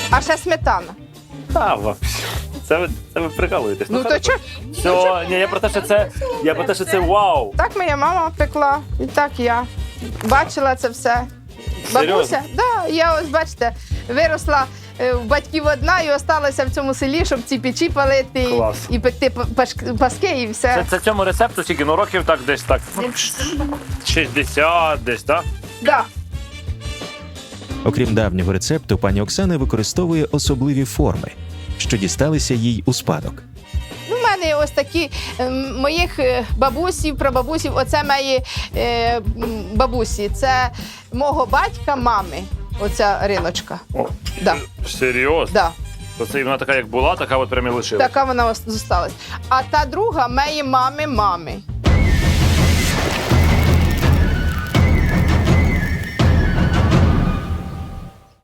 А ще сметана. Та, вообще. Це ви прикалуєтесь. Ну то чого? Все, ні, я про те, що це вау. Так моя мама пекла, і так я. Бачила це все. Серйозно? Бабуся, да, я ось бачите, виросла в батьків одна і осталася в цьому селі, щоб ці печі палити Клас. і пекти паски і все. Це цьому рецепту скільки? Ну років так десь так. 60 десь, так? Да. Окрім давнього рецепту, пані Оксана використовує особливі форми, що дісталися їй у спадок. Ну, в мене ось такі моїх бабусів, прабабусів, оце мої бабусі. Це мого батька, мами, оця риночка. О, Да. серйозно? Да. То це вона така, як була, така от прям і лишилась. Така вона зосталась. А та друга моєї мами.